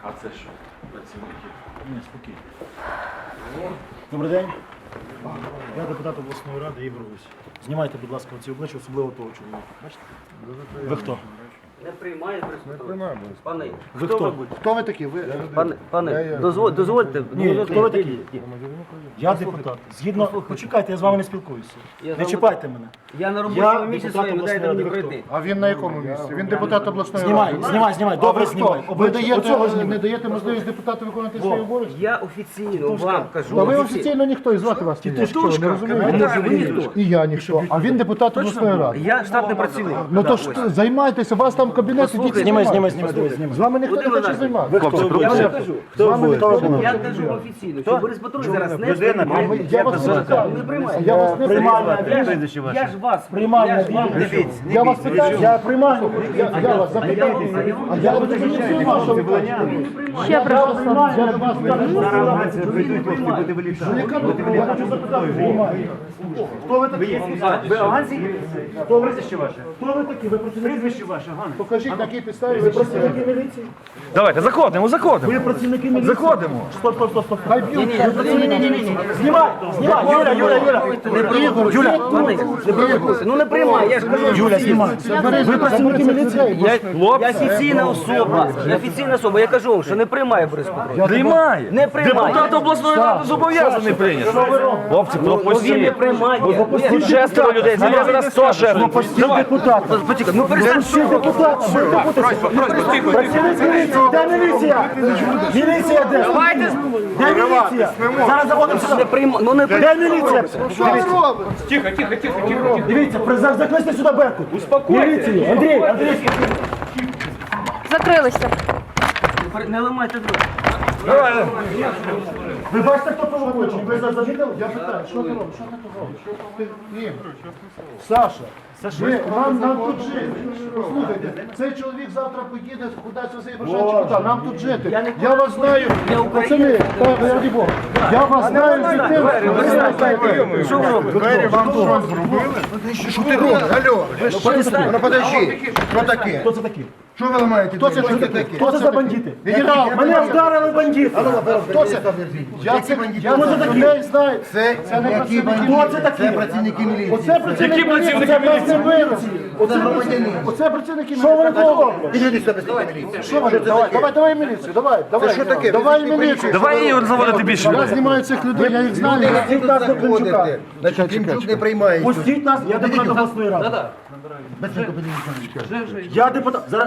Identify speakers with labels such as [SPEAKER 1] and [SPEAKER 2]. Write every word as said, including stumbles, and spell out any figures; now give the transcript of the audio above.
[SPEAKER 1] А це що? Працівники?
[SPEAKER 2] Ні, спокійно. Добрий день. Я депутат обласної ради Ігор Гусь. Знімайте, будь ласка, ці обличчя, особливо того чоловіка. Бачите? Ви хто?
[SPEAKER 3] Не приймає присутність. Пане,
[SPEAKER 2] Ви
[SPEAKER 3] хто
[SPEAKER 2] хто?
[SPEAKER 3] ви будете?
[SPEAKER 4] Хто ви такі? Ви
[SPEAKER 3] Пане, пане, дозволь- дозвольте.
[SPEAKER 2] Ні,
[SPEAKER 3] дозвольте.
[SPEAKER 2] хто ви такі? Я депутат. Згідно, почекайте, я з вами не спілкуюся.
[SPEAKER 3] Я з
[SPEAKER 2] Не
[SPEAKER 3] вами-
[SPEAKER 2] чіпайте мене.
[SPEAKER 3] Я на
[SPEAKER 2] Я
[SPEAKER 3] робочому місці
[SPEAKER 2] депутат
[SPEAKER 3] своєму,
[SPEAKER 2] обласної
[SPEAKER 3] дайте мені
[SPEAKER 2] ради. Ви хто?
[SPEAKER 3] пройти.
[SPEAKER 4] а він на якому місці? Він депутат обласної
[SPEAKER 2] Знімай,
[SPEAKER 4] ради.
[SPEAKER 2] знімай, знімай.
[SPEAKER 4] А
[SPEAKER 2] Добре,
[SPEAKER 4] ви
[SPEAKER 2] знімай.
[SPEAKER 4] хто? Ви
[SPEAKER 2] Обличчя- оцього
[SPEAKER 4] даєте,
[SPEAKER 2] знімай.
[SPEAKER 4] не даєте можливість депутату виконувати свої обов'язки?
[SPEAKER 3] Я офіційно вам кажу.
[SPEAKER 4] Та ви
[SPEAKER 3] офіційно.
[SPEAKER 4] офіційно ніхто, і звати вас ніхто. Що, не
[SPEAKER 3] А
[SPEAKER 4] розумієте?
[SPEAKER 3] ви ніхто.
[SPEAKER 4] І я ніхто. А він депутат обласної ради.
[SPEAKER 3] Я штатний працівник.
[SPEAKER 4] Ну
[SPEAKER 3] Да,
[SPEAKER 4] то
[SPEAKER 3] ось.
[SPEAKER 4] ж займайтеся, у вас там кабінет, ідіть
[SPEAKER 2] Знімай,
[SPEAKER 4] знімайте.
[SPEAKER 2] знімай, знімай, дивись, знімай.
[SPEAKER 4] З вами ніхто не
[SPEAKER 3] Володимир
[SPEAKER 4] хоче
[SPEAKER 3] Іванович,
[SPEAKER 4] займатися.
[SPEAKER 3] Я вам кажу.
[SPEAKER 4] З вами ніхто не
[SPEAKER 3] Я
[SPEAKER 4] хоче.
[SPEAKER 3] кажу офіційно, що Борис Петрович зараз не
[SPEAKER 4] А
[SPEAKER 3] приймає.
[SPEAKER 4] ви- Я вас не питаю.
[SPEAKER 3] Не приймає.
[SPEAKER 4] Я вас не
[SPEAKER 2] Приймальна
[SPEAKER 4] питаю.
[SPEAKER 2] віж.
[SPEAKER 3] Я ж вас
[SPEAKER 2] Приймальна
[SPEAKER 3] я ж вам
[SPEAKER 2] віж.
[SPEAKER 3] кажу.
[SPEAKER 4] Я вас питаю.
[SPEAKER 2] Я приймальну.
[SPEAKER 4] Я, я вас запитав. А я вас не знаю, що ви кажете.
[SPEAKER 2] Ще прошу. Я до вас Хто ви такі?
[SPEAKER 5] Ви афганці? Хто прізвище ваше?
[SPEAKER 2] Хто ви такі? Ви працівники?
[SPEAKER 5] Прізвище ваше, Ганна.
[SPEAKER 4] Покажіть, на якій підставі ви
[SPEAKER 2] Ви
[SPEAKER 4] працюєте.
[SPEAKER 2] працівники міліції?
[SPEAKER 5] Давайте, заходимо, заходимо.
[SPEAKER 2] Ви працівники міліції?
[SPEAKER 5] Заходимо.
[SPEAKER 2] Стоп, стоп, стоп, стоп.
[SPEAKER 4] Хай б'ють.
[SPEAKER 3] Ні-ні-ні.
[SPEAKER 2] Знімай, знімай. Юля, Юля, Юля.
[SPEAKER 3] Юля, пане, не провокуйте. Ну не приймає, я ж кажу.
[SPEAKER 2] Юля, знімай. Ви працівники міліції?
[SPEAKER 3] Я, я офіційна особа. Я офіційна особа. Я кажу вам, що не приймає Борис Петрович.
[SPEAKER 5] Приймає.
[SPEAKER 3] Не приймає.
[SPEAKER 5] Депутат обласної ради зобов'язаний прийняти. Хлопці,
[SPEAKER 3] Ну він не
[SPEAKER 5] пропустіть.
[SPEAKER 3] приймає.
[SPEAKER 5] Тут шестеро людей, я зараз сто шестеро. Давай.
[SPEAKER 3] Почекай, ну перестань, що ви?
[SPEAKER 2] Працівник міліції, де міліція? Міліція де? Де міліція? Зараз заходимо
[SPEAKER 3] Не
[SPEAKER 2] сюди.
[SPEAKER 3] приймає. Ну не
[SPEAKER 2] Де
[SPEAKER 3] приймає.
[SPEAKER 2] міліція? Що ви робите? Дивіться, при- закличте сюди Беркут. Успокойтесь. Міліцію. Андрій, Андрій.
[SPEAKER 6] Закрилися.
[SPEAKER 3] Не ламайте друг.
[SPEAKER 5] Давай.
[SPEAKER 2] Ви бачите, хто провокує? Чи ви замітили?
[SPEAKER 4] Я питаю, що ти робиш? Що ти тут робиш? Ти- Ігор, Саша, ви, нам, нам тут жити. Послухайте, цей чоловік завтра поїде кудись за Єврошенчик, куди? Нам тут жити. Я вас знаю, пацани, так, раді Бога. Я вас знаю з тим.
[SPEAKER 3] Що ви робите?
[SPEAKER 4] Двері вам що зробили? Що ти робиш? Алло, ви що? Ну подожди, що таке?
[SPEAKER 2] Хто це такі?
[SPEAKER 4] Що ви ламаєте? Хто це таке?
[SPEAKER 2] Хто це за бандити?
[SPEAKER 4] Генерал,
[SPEAKER 2] Мене вдарили бандити.
[SPEAKER 4] хто це? Я це я це людей знаю. Це, це не працівники.
[SPEAKER 2] Хто це такі?
[SPEAKER 4] Це працівники міліції. Оце працівники
[SPEAKER 5] Які працівники
[SPEAKER 4] міліції. Це
[SPEAKER 5] міліції?
[SPEAKER 4] власне Оце громадяни. Оце працівники міліції.
[SPEAKER 2] Що вони тут роблять?
[SPEAKER 4] Іди сюди, працівники міліції. Що вони? Давай, давай, давай міліцію, давай, давай. Що таке? Давай міліцію.
[SPEAKER 5] Давай Ігор заводити більше
[SPEAKER 4] Я
[SPEAKER 5] людей.
[SPEAKER 4] знімаю цих людей, я їх знаю.
[SPEAKER 2] Пустіть нас до Климчука.
[SPEAKER 4] Значить, Климчук не приймає.
[SPEAKER 2] Пустіть нас, я депутат обласної ради. Я депутат. Зараз